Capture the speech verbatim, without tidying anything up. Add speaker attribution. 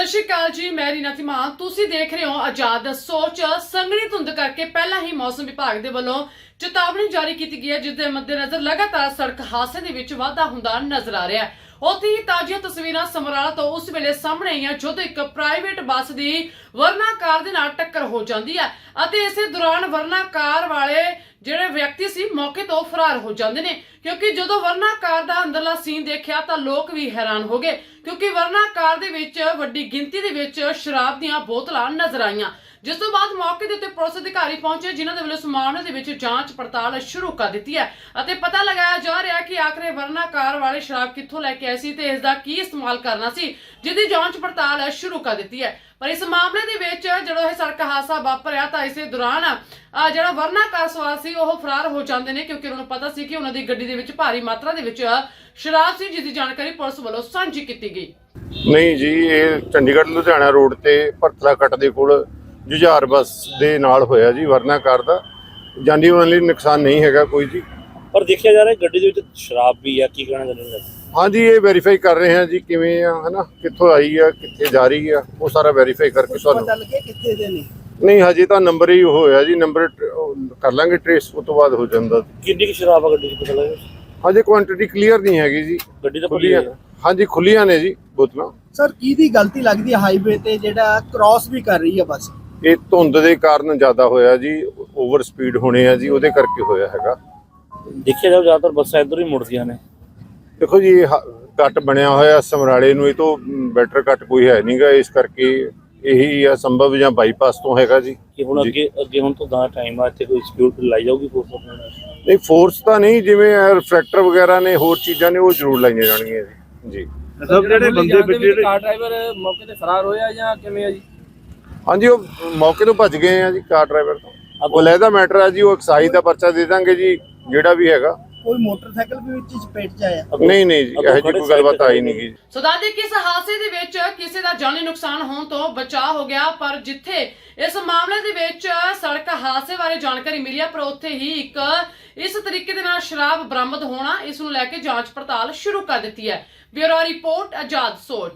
Speaker 1: सत श्री अकाल जी, मैं रीना धीमान। तुसी देख रहे हो आजाद सोच। संघनी धुंध करके पहला ही मौसम विभाग दे वल्लों चेतावनी जारी की गई है, जिसके मद्देनजर लगातार सड़क हादसे दे विच वाधा हुंदा नजर आ रहा है। उत्थे ही ताज़ियां तस्वीरां समराला तो उस वेले सामने आईयां जदों एक प्राइवेट बस दी वरना कार दे नाल टक्कर हो जाती है अते इसे दौरान वरना कार वाले ਜਿਹੜੇ ਵਿਅਕਤੀ ਸੀ मौके तो फरार हो जाते हैं, क्योंकि जो वरना कार का अंदरला सीन देखा तो लोग भी हैरान हो गए, क्योंकि वरना कार दे विच वड्डी गिनती दे विच शराब दीयां बोतलां नजर आईयां। जिस तो बाद मौके के उत्ते पुलिस अधिकारी पहुंचे, जिन्हां दे वल्लों इस मामले दे विच जांच पड़ताल शुरू कर दी है अते पता लगाया जा रहा है कि आखिर वरना कार वाले शराब कित्थों लैके आए सी ते इसदा की इस्तेमाल करना सी, जिहदी जांच पड़ताल शुरू कर दी है। पर इस मामले दे विच जदों यह सड़क हादसा वापरिया तां इस दौरान ਜਿਹੜਾ वरना कार सवार सी ਉਹ फरार हो जाते हैं, क्योंकि उन्होंने पता सी कि उन्हों दी गड्डी दे विच भारी मात्रा दे विच शराब सी, जिसकी जानकारी पुलिस वालों सांझी की गई।
Speaker 2: नहीं जी, ये चंडीगढ़ लुधियाना रोड ते भरतला कट दे कोल जुझार बस दे नाल होया जी। वरना कार दा जानी माली नुकसान नहीं हैगा कोई जी,
Speaker 3: पर देखा जा रहा है गड्डी दे विच शराब भी है। की कहना चाਹੁੰਦੇ हो?
Speaker 2: हाँ जी, ये वेरीफाई कर रहे हैं जी किवें आ है ना, कित्थों आई है कित्थे जा रही है, वो सारा वेरीफाई करके तुहानूं नहीं हजे तो नंबर ही होया जी, नंबर कर लांगे ट्रेस, उस तो बाद हो जांदा।
Speaker 3: कितनी की शराब है गड्डी च पता लगा?
Speaker 2: हजे क्वांटिटी क्लीयर नहीं हैगी जी,
Speaker 3: गड्डी तो
Speaker 2: खुली है। हाँ जी, खुलियां ने जी बोतलां।
Speaker 4: सर किहदी गलती लगदी है हाईवे ते जेड़ा क्रॉस भी कर रही है बस?
Speaker 2: ये धुंध दे कारण ज़्यादा होया जी, ओवर स्पीड होने है जी, उहदे करके होया हैगा।
Speaker 3: देखिए जाओ ज़्यादातर बसां इधर ही मुड़दियां ने। देखो
Speaker 2: जी कट बनया होया समराले नूं, ये तो बैटर कट कोई है नहीं गा, इस करके यही है संभव या बाईपास तो हैगा जी।
Speaker 3: कि हुण अगे अगे हुण तो दा टाइम आ, इत्थे कोई सिक्योरिटी लाई जाऊगी फोर्स अपने?
Speaker 2: नहीं फोर्स तो नहीं, जिवें रिफ्रैक्टर वगैरह ने होर चीज़ां ने वो जरूर लाइयां जाणगीਆਂ जी।
Speaker 5: सब ਜਿਹੜੇ ਬੰਦੇ ਵਿੱਚ ਕਾਰ ਡਰਾਈਵਰ ਮੌਕੇ ਤੇ ਫਰਾਰ ਹੋਇਆ ਜਾਂ ਕਿਵੇਂ ਆ ਜੀ?
Speaker 2: हाँ जी, वो मौके तो भज गए हैं जी कार ड्राइवर तो। वो लहदा मैटर है जी, वो एक्साइज का पर्चा दे देंगे जी ਜਿਹੜਾ भी हैगा।
Speaker 4: कोई मोटरसाइकिल भी विच चपेट च आया?
Speaker 2: नहीं नहीं जी, ਇਹੋ ਜਿਹੀ ਕੋਈ ਗੱਲਬਾਤ ਆਈ नहीं गी।
Speaker 1: ਸੋ ਦੱਸਦੇ ਕਿ ਇਸ ਹਾਦਸੇ ਦੇ ਵਿੱਚ ਕਿਸੇ ਦਾ ਜਾਨੀ ਨੁਕਸਾਨ ਹੋਣ ਤੋਂ ਬਚਾਅ ਹੋ ਗਿਆ, ਪਰ ਜਿੱਥੇ ਇਸ ਮਾਮਲੇ ਦੇ ਵਿੱਚ ਸੜਕ ਹਾਦਸੇ ਬਾਰੇ ਜਾਣਕਾਰੀ ਮਿਲੀ ਹੈ, ਪਰ ਉੱਥੇ ਹੀ ਇੱਕ ਇਸ ਤਰੀਕੇ ਦੇ ਨਾਲ ਸ਼ਰਾਬ ਬਰਾਮਦ ਹੋਣਾ, ਇਸ ਨੂੰ ਲੈ ਕੇ ਜਾਂਚ ਪੜਤਾਲ ਸ਼ੁਰੂ ਕਰ ਦਿੱਤੀ ਹੈ। ਬਿਊਰੋ ਰਿਪੋਰਟ ਆਜ਼ਾਦ ਸੋਚ।